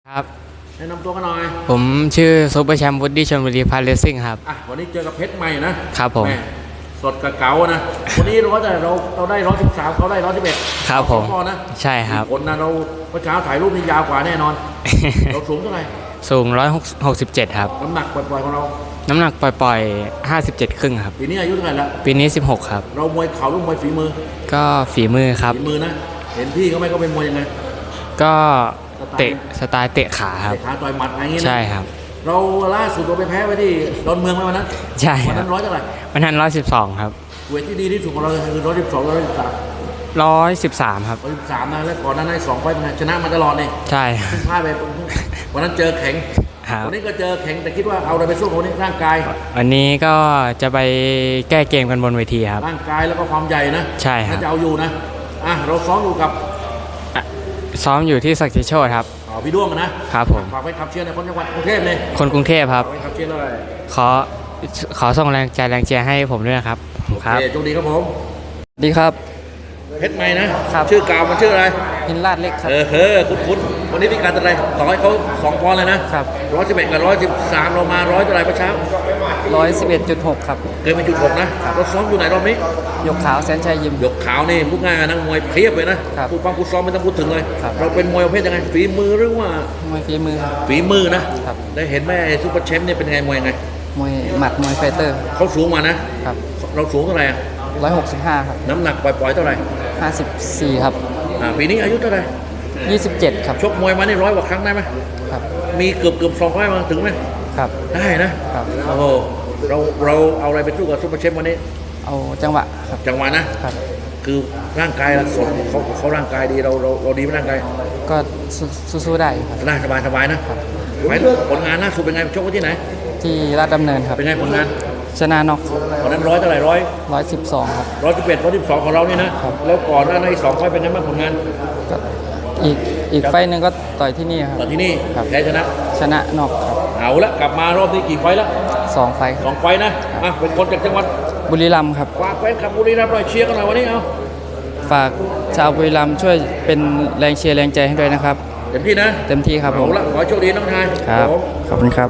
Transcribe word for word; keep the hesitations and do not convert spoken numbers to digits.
ครับแนะนำตัวกันหน่อยผมชื่อซูเปอร์แชมป์วูดดี้ชลบุรีพาร์เลสซิ่งครับอ่ะวันนี้เจอกับเพชรใหม่นะครับผมสดกับเก๋านะวันนี้ร้อยแต่เราเราได้ร้อยสิบสามเขาได้ร้อยสิบเอ็ดครับผมนะใช่ครับคนนะเราเมื่อเช้าถ่ายรูปนี่ยาวกว่าแน่นอน เราสูงเท่าไหร่สูงร้อยหกสิบเจ็ดครับน้ำหนักปล่อยๆของเราน้ำหนักปล่อยๆห้าสิบเจ็ดครึ่งครับปีนี้อายุเท่าไหร่ละปีนี้สิบหกครับเรามวยเข่าหรือมวยฝีมือก็ฝีมือครับฝีมือนะเห็นพี่เขาไหมเขาเป็นมวยยังไงก็เตะสไตล์เตะขาครับเตะขาต่อยหมัดอะไรอย่างเงี้ยใช่ครับเราล่าสุดเราไปแพ้ไปที่ดอนเมืองไหมวันนั้นใช่วันนั้นร้อยเท่าไหร่วันนั้นร้อยสิบสองครับเวทที่ดีที่สุดของเราคือร้อยสิบสองร้อยสิบสามร้อยสิบสามครับร้อยสิบสามนะแล้วก่อนนั้นได้สองไฟล์ชนะมาตลอดนี่ใช่พลาดไปวันนั้นเจอแข็งวันนี้ก็เจอแข็งแต่คิดว่าเอาอะไรไปสู้คนนี้ร่างกายวันนี้ก็จะไปแก้เกมกันบนเวทีครับร่างกายแล้วก็ความใหญ่นะใช่ครับจะเอาอยู่นะอ่ะเราซ้อมอยู่กับซ้อมอยู่ที่สักดิ์โชติครับอ๋อพี่ด้วงนะครับผมฝากไว้ขับเชียร์ในคนจังหวัดกรุงเทพเลยคนกรุงเทพครับขับเชียร์อะไรขอขอส่งแรงใจแรงเชียร์ให้ผมด้วยนะครับครับโชคดีครับผมดีครับเพชรใหม่นะครับชื่อกาวมันชื่ออะไรหินลาดเล็กครับเออเฮ้อคุ้นๆวันนี้พิการอะไรต่อให้เขาสองปอนด์เลยนะครับร้อยสิบเอ็ดกับร้อยสิบสามเรามาร้อยเท่าไหร่ประเช้าร้อยสิบเอ็ดจุดหกครับเกินไปจุดหกนะเราซ้อมอยู่ไหนรอบนี้ยกขาวแสนชัยยิมยกขาวนี่พูดง่ายนักมวยเพียบเลยนะพูดฟังพูดซ้อมไม่ต้องพูดถึงเลยเราเป็นมวยประเภทยังไงฝีมือหรือว่ามวยฝีมือฝีมือนะได้เห็นแม่ซุปเปอร์แชมป์เนี่ยเป็นไงมวยยังไงมวยหมัดมวยไฟเตอร์เขาสูงมานะครับเราสูงเท่าไหร่ร้อยหกสิบห้าครับน้ำหนักปล่อยๆเท่าไหร่ห้าสิบสี่ครับอ่าปีนี้อายุเท่าไหร่ยี่สิบเจ็ดครับชกมวยมานี่ร้อยกว่าครั้งได้ไหมครับมีเกือบเกือบสองร้อยมาถึงไหมครับได้นะครับโอ้โหเราเราเอาอะไรไปสู้กับซุปเปอร์แชมป์วันนี้เอาจังหวะครับจังหวะนะครับคือร่างกายเราสดเขาเขาร่างกายดีเราเราเราดีไหมร่างกายก็สู้ๆได้ครับได้สบายสบายนะผลงานล่าสุดเป็นไงชกที่ไหนที่ราชดำเนินครับเป็นไงผลงานชนะน็อกตอนนั้นร้อยเท่าไหร่ร้อยร้อยสิบสองครับร้อยสิบเอ็ดร้อยสิบสองของเรานี่นะแล้วก่อนหน้านั้นอีกสองไฟเป็นไงบ้างผลงานก็อีกอีกไฟหนึ่งก็ต่อยที่นี่ครับต่อยที่นี่แพ้ชนะชนะน็อกครับเอาละกลับมารอบนี้กี่ไฟแล้วสองไฟสองไฟนะอ่ะเป็นคนจากจังหวัดบุรีรัมย์ครับฝากแฟนคลับบุรีรัมย์หน่อยเชียร์กันหน่อยวันนี้เอาฝากชาวบุรีรัมย์ช่วยเป็นแรงเชียร์แรงใจให้ด้วยนะครับเต็มที่นะเต็มที่ครับผมเอาละขอโชคดีน้องชายครับขอบคุณครับ